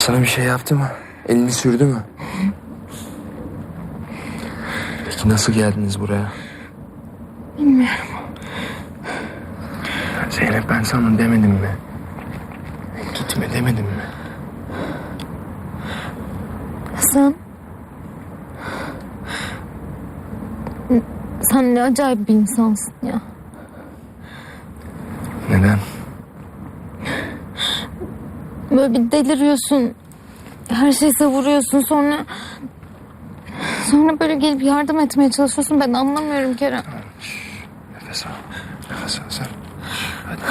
Sana bir şey yaptı mı? Elini sürdü mü? Peki nasıl geldiniz buraya? Bilmiyorum. Zeynep, ben sana demedim mi? Gitme demedim mi? Sen ne acayip bir insansın ya. Neden? Böyle bir deliriyorsun. Her şeyi savuruyorsun, sonra böyle gelip yardım etmeye çalışıyorsun. Ben anlamıyorum Kerem. Nefes al. Nefes al sen. Hadi.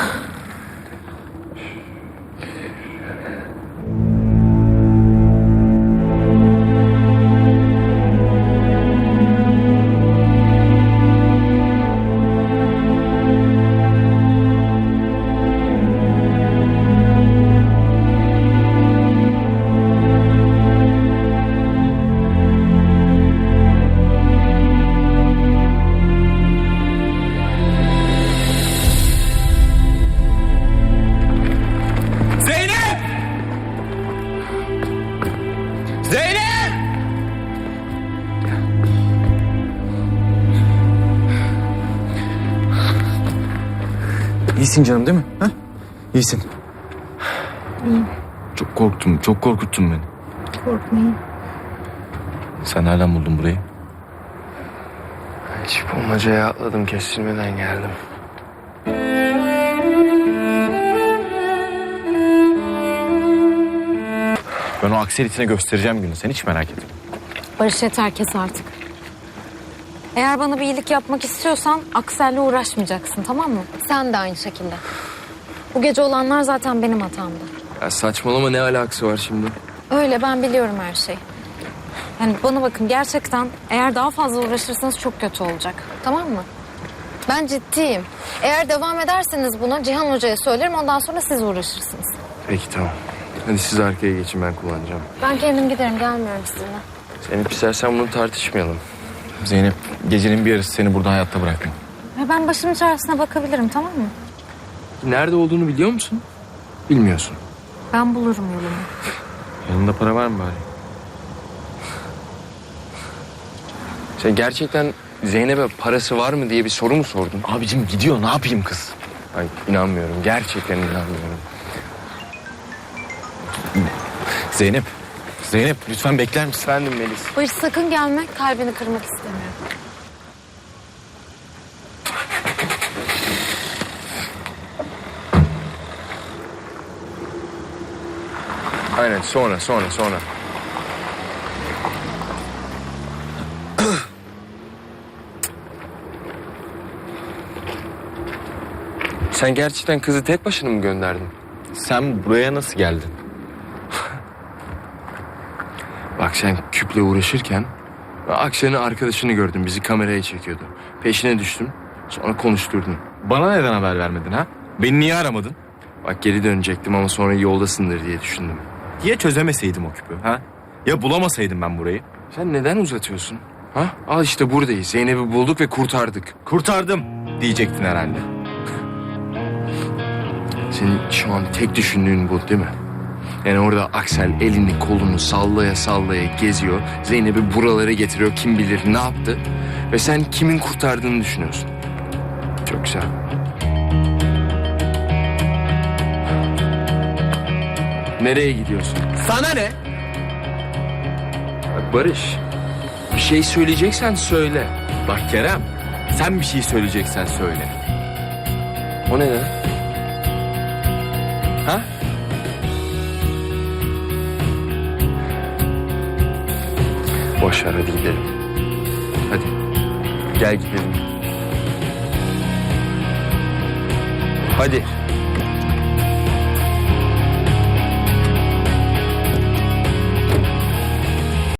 İyisin canım değil mi? Ha? İyisin. İyiyim. Çok korktum, çok korkuttun beni. Korkmayın. Sen nereden buldun burayı? Hiç bulmacaya atladım, kestirmeden geldim. Ben o akseritine göstereceğim günü. Sen hiç merak etme. Barış, yeter, kes artık. Eğer bana bir iyilik yapmak istiyorsan Aksel'le uğraşmayacaksın, tamam mı? Sen de aynı şekilde. Bu gece olanlar zaten benim hatamdı. Ya saçmalama, ne alakası var şimdi? Öyle, ben biliyorum her şeyi. Yani bana bakın, gerçekten eğer daha fazla uğraşırsanız çok kötü olacak. Tamam mı? Ben ciddiyim. Eğer devam ederseniz buna Cihan Hoca'ya söylerim, ondan sonra siz uğraşırsınız. Peki tamam. Hadi siz arkaya geçin, ben kullanacağım. Ben kendim giderim, gelmiyorum sizinle. Zeynep, istersen bunu tartışmayalım. Zeynep, gecenin bir yarısı seni burada hayatta bırakmam. Ya ben başımın çaresine bakabilirim, tamam mı? Nerede olduğunu biliyor musun? Bilmiyorsun. Ben bulurum yolumu. Yanında para var mı bari? Sen gerçekten Zeynep'e parası var mı diye bir soru mu sordun? Abicim gidiyor, ne yapayım kız? Ay, inanmıyorum. Gerçekten inanmıyorum. Zeynep, Zeynep lütfen bekler misin? Efendim Melis. Barış, sakın gelme, kalbini kırmak istemiyorum. Aynen, sonra. Sen gerçekten kızı tek başına mı gönderdin? Sen buraya nasıl geldin? Bak, sen küple uğraşırken Akşener'in arkadaşını gördüm, bizi kameraya çekiyordu. Peşine düştüm, sonra konuşturdun. Bana neden haber vermedin ha? Beni niye aramadın? Bak, geri dönecektim ama sonra yoldasındır diye düşündüm. Ya çözemeseydim o küpü ha? Ya bulamasaydım ben burayı? Sen neden uzatıyorsun? Ha? Al işte, buradayız. Zeynep'i bulduk ve kurtardık. Kurtardım diyecektin herhalde. Senin şu an tek düşündüğün bu değil mi? Yani orada Aksel elini kolunu sallaya sallaya geziyor. Zeynep'i buralara getiriyor, kim bilir ne yaptı. Ve sen kimin kurtardığını düşünüyorsun. Çok güzel. Nereye gidiyorsun? Sana ne? Bak Barış, bir şey söyleyeceksen söyle. Bak Kerem, sen bir şey söyleyeceksen söyle. O ne lan? Ha? Boş ver, hadi gidelim. Hadi. Gel gidelim. Hadi.